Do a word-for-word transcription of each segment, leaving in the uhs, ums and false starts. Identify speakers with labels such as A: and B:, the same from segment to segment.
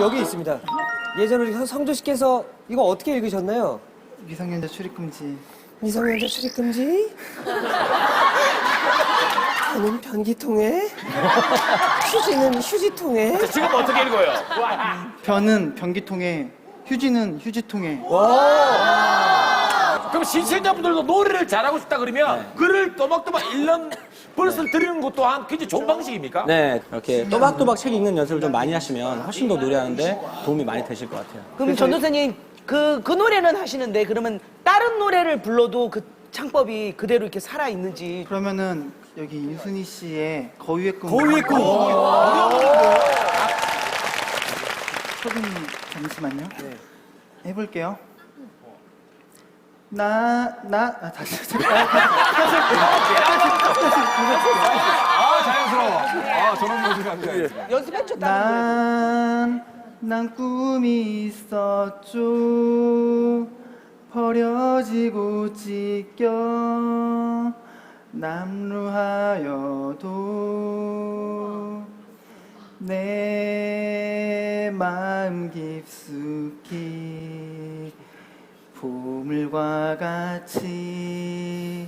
A: 여기 있습니다. 예전에 우리 성조 씨께서 이거 어떻게 읽으셨나요?
B: 미성년자 출입금지.
A: 미성년자 출입금지. 저는 변기통에, 휴지는 휴지통에.
C: 자, 지금 어떻게 읽어요?
B: 변은 변기통에, 휴지는 휴지통에.
C: 그럼 시청자분들도 노래를 잘하고 싶다 그러면 글을 또박또박 읽는 버스를 들으는 것 또한 굉장히 좋은 방식입니까?
D: 네, 이렇게 또박또박 책 읽는 연습을 좀 많이 하시면 훨씬 더 노래하는데 도움이 많이 되실 것 같아요.
E: 그럼 전도사님 그, 그 노래는 하시는데 그러면 다른 노래를 불러도 그 창법이 그대로 이렇게 살아 있는지.
B: 그러면은 여기 유순희 씨의 거위의 꿈.
A: 거위의 꿈.
B: 소빈이 잠시만요. 네. 해볼게요. 나, 나, 아, 다시, 다시.
C: 아, 자연스러워. 아, 저런 모습이 안 돼.
E: 연습했죠, 다른 노래.
B: 난, 난 꿈이 있었죠. 버려지고 찢겨 남루하여도 내 마음 깊숙이 보물과 같이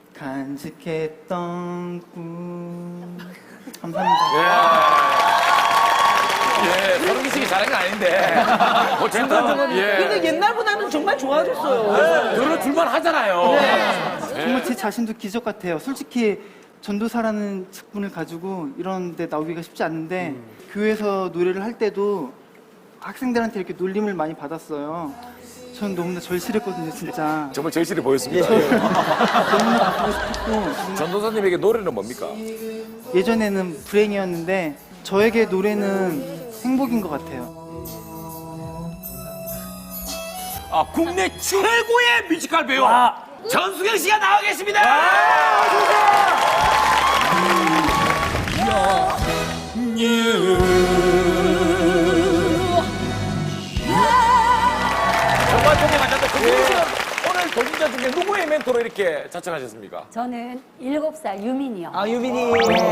B: 간직했던 꿈. 감사합니다.
C: 예, 서른기 씨가 잘한 건 아닌데. 어쨌든, 예.
E: 근데 옛날보다는 정말 좋아졌어요.
C: 들어줄만 하잖아요.
B: 정말 제 자신도 기적 같아요. 솔직히 전도사라는 직분을 가지고 이런 데 나오기가 쉽지 않은데 교회에서 노래를 할 때도 학생들한테 이렇게 놀림을 많이 받았어요. 전 너무나 절실했거든요, 진짜.
C: 정말 절실히 보였습니다.
B: 너무나 바꾸고 싶었고
C: 전도사님에게 노래는 뭡니까?
B: 예전에는 불행이었는데 저에게 노래는 행복인 것 같아요.
C: 아, 국내 최고의 뮤지컬 배우 전수경 씨가 나와 계십니다. 정말 보기 만났다. 전수경 씨는 오늘 도전자 중에 누구의 멘토로 이렇게 자청하셨습니까?
F: 저는 일곱 살 유민이요.
E: 아, 유민이.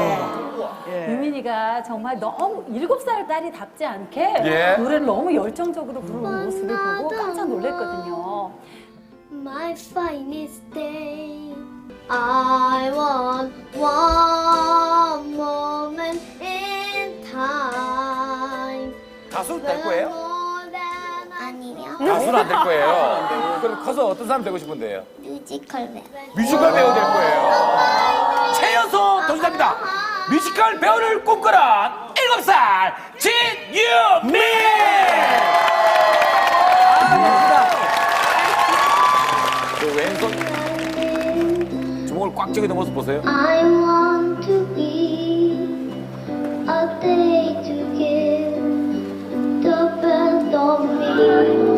F: 유민이가 정말 너무 일곱 살 딸이 답지 않게
C: 예.
F: 노래를 너무 열정적으로 부르는 모습을 보고 깜짝 놀랐거든요.
G: My finest day. I want one moment in time.
C: 가수 될 거예요?
G: More than 아니요.
C: 가수는 안 될 거예요. 그럼 커서 어떤 사람 되고 싶은데요?
G: 뮤지컬 배우.
C: 뮤지컬 배우 될 거예요. 최연소 도전자입니다. 뮤지컬 배우를 꿈꾸는 일곱 살 진유민! 그 왼손 주먹을 꽉 쥐고 모습 보세요.
G: I want to be a day to give the best of me.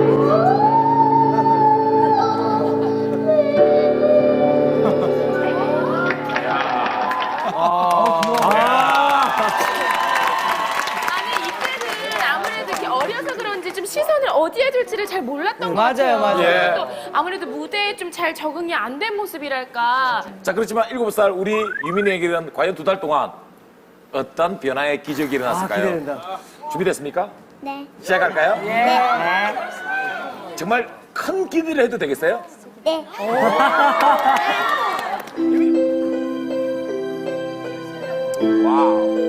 H: 아니 이때는 아무래도 이렇게 어려서 그런지 좀 시선을 어디에 둘지를 잘 몰랐던 것
E: 맞아요,
H: 같아요.
E: 맞아요.
C: 예.
H: 또 아무래도 무대에 좀 잘 적응이 안 된 모습이랄까.
C: 자, 그렇지만 일곱 살 우리 유민이에게는 과연 두 달 동안 어떤 변화의 기적이 일어났을까요?
A: 아, 기대된다.
C: 준비됐습니까?
G: 네.
C: 시작할까요? 네. 정말 큰 기대를 해도 되겠어요?
G: 네.
C: 와우.